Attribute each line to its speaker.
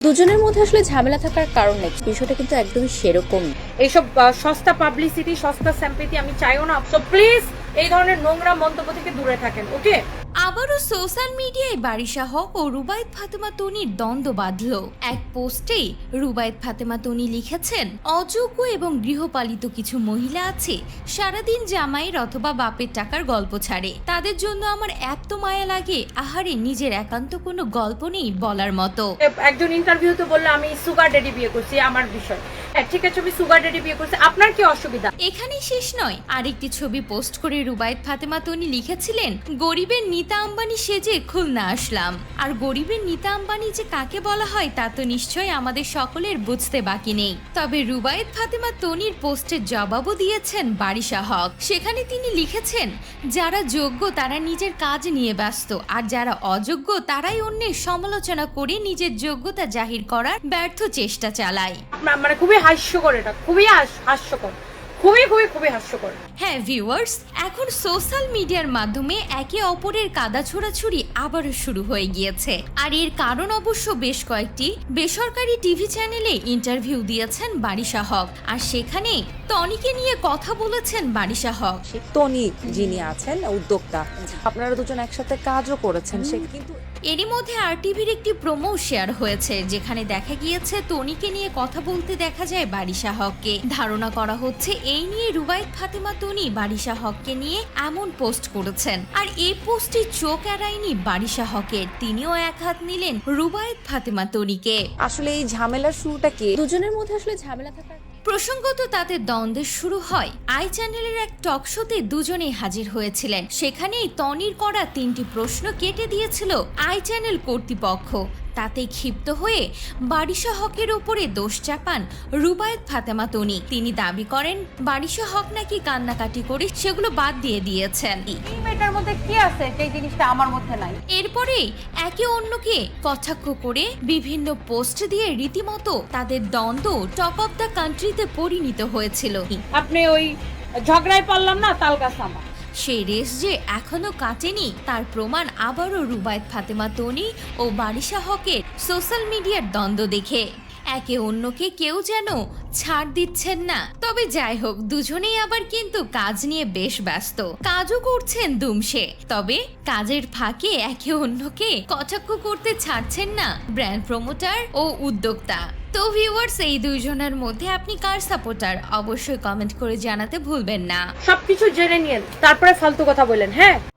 Speaker 1: দুজনের মধ্যে আসলে ঝামেলা থাকার কারণ নেই, বিষয়টা কিন্তু একদমই সেরকম।
Speaker 2: এইসব সস্তা পাবলিসিটি, সস্তা স্যাম্পেথি আমি চাইও না। সো প্লিজ এই ধরনের নোংরা মন্তব্য থেকে দূরে থাকেন, ওকে?
Speaker 3: আবারও সোশ্যাল মিডিয়ায় বারিশা হক ও রুবায়েত ফাতেমা তনির দ্বন্দ্ব বাঁধল। এক পোস্টেই রুবায়েত ফাতেমা তনি লিখেছেন, অযোগ্য এবং গৃহপালিত কিছু মহিলা আছে সারাদিন জামাইয়ের অথবা বাপের টাকার গল্প ছাড়ে, তাদের জন্য আমার এত মায়া লাগে, আহারে নিজের একান্ত কোনো গল্প নেই বলার মতো।
Speaker 2: একজন ইন্টারভিউতে বললো আমি সুগার ড্যাডি বিয়ে করছি, আমার বিষয়। হ্যাঁ ঠিক আছে, আমি সুগার ড্যাডি বিয়ে করছি, আপনার কি অসুবিধা?
Speaker 3: এখানেই শেষ নয়, আরেকটি ছবি পোস্ট করে রুবায়েত ফাতেমা তনি লিখেছিলেন, গরিবের নিতা আম্বানি সেজে খুলনা আসলাম। আর গরিবের নিতা আম্বানি যে কাকে বলা হয় তা তো নিশ্চয়ই আমাদের সকলের বুঝতে বাকি নেই। তবে রুবায়েত ফাতেমা তনির পোস্টের জবাবও দিয়েছেন বারিশা হক। সেখানে তিনি লিখেছেন, যারা যোগ্য তারা নিজের কাজ নিয়ে ব্যস্ত, আর যারা অযোগ্য তারাই অন্যের সমালোচনা করে নিজের যোগ্যতা জাহির করার ব্যর্থ চেষ্টা চালায়।
Speaker 2: মানে খুবই হাস্যকর, এটা খুবই হাস্যকর, খুবই খুবই খুবই হাস্যকর।
Speaker 3: হ্যাঁ ভিউয়ার্স, এখন সোশ্যাল মিডিয়ার মাধ্যমে একে অপরের কাদা ছোড়াছুড়ি আবারও শুরু হয়ে গিয়েছে। আর এর কারণ অবশ্য বেশ কয়েকটি। বেসরকারি টিভি চ্যানেলে ইন্টারভিউ দিয়েছেন বারিশা হক, আর সেখানে টনিকে নিয়ে কথা বলেছেন বারিশা হক।
Speaker 4: টনি যিনি আছেন উদ্যোক্তা, আপনারা দুজন একসাথে কাজও করেছেন, সে কিন্তু
Speaker 3: এরই মধ্যে আরটিভির একটি প্রোমো শেয়ার হয়েছে, যেখানে দেখা গিয়েছে টনিকে নিয়ে কথা বলতে দেখা যায় বারিশা হককে। ধারণা করা হচ্ছে এই নিয়ে রুবায়েত ফাতেমা তনি বারিশা হককে নিয়ে এমন পোস্ট করেছেন। আর এই পোস্টটি চোখ এড়ায়নি বারিশা হকের, তিনিও এক হাত নিলেন রুবায়েত ফাতেমা তনিকে।
Speaker 4: আসলে এই ঝামেলার শুরুটা কি?
Speaker 1: দুজনের মধ্যে আসলে ঝামেলা থাকার
Speaker 3: প্রসঙ্গত তাদের দ্বন্দ্বের শুরু হয় আই চ্যানেলের এক টক শোতে দুজনেই হাজির হয়েছিলেন। সেখানেই টনির করা 3টি প্রশ্ন কেটে দিয়েছিল আই চ্যানেল কর্তৃপক্ষ। তাতে ক্ষিপ্ত হয়ে বারিশা হকের উপরে দোষ চাপান রুবায়েত ফাতেমা তনি। তিনি দাবি করেন বারিশা হক নাকি কান্নাকাটি করে সেগুলো বাদ দিয়ে দিয়েছেন।
Speaker 2: এই মেয়েটার মধ্যে কি আছে সেই জিনিসটা আমার মধ্যে নাই।
Speaker 3: এরপরে একে অন্যকে কটাক্ষ করে বিভিন্ন পোস্ট দিয়ে রীতিমতো তাদের দ্বন্দ্ব টক অফ দ্য কান্ট্রিতে পরিণত হয়েছিল।
Speaker 2: আপনি ওই ঝগড়ায় পারলাম না, তাল গাছ আমার।
Speaker 3: সেই রেস যে এখনো কাটেনি তার প্রমাণ আবারও রুবায়েত ফাতেমা তনি ও বারিশা হকের সোশ্যাল মিডিয়ার দ্বন্দ্ব দেখে। একে অন্যকে কেউ যেন ছাড় দিচ্ছেন না। তবে যাই হোক, দুজনেই আবার কিন্তু কাজ নিয়ে বেশ ব্যস্ত, কাজও করছেন দুমসে। তবে কাজের ফাঁকে একে অন্যকে কটাক্ষ করতে ছাড়ছেন না ব্র্যান্ড প্রমোটার ও উদ্যোক্তা। তো ভিউয়ার্স, এই দুইজনের মধ্যে আপনি কার সাপোর্টার অবশ্যই কমেন্ট করে জানাতে ভুলবেন না।
Speaker 2: সবকিছু জেনে নিয়েন, তারপরে ফালতু কথা বলেন। হ্যাঁ।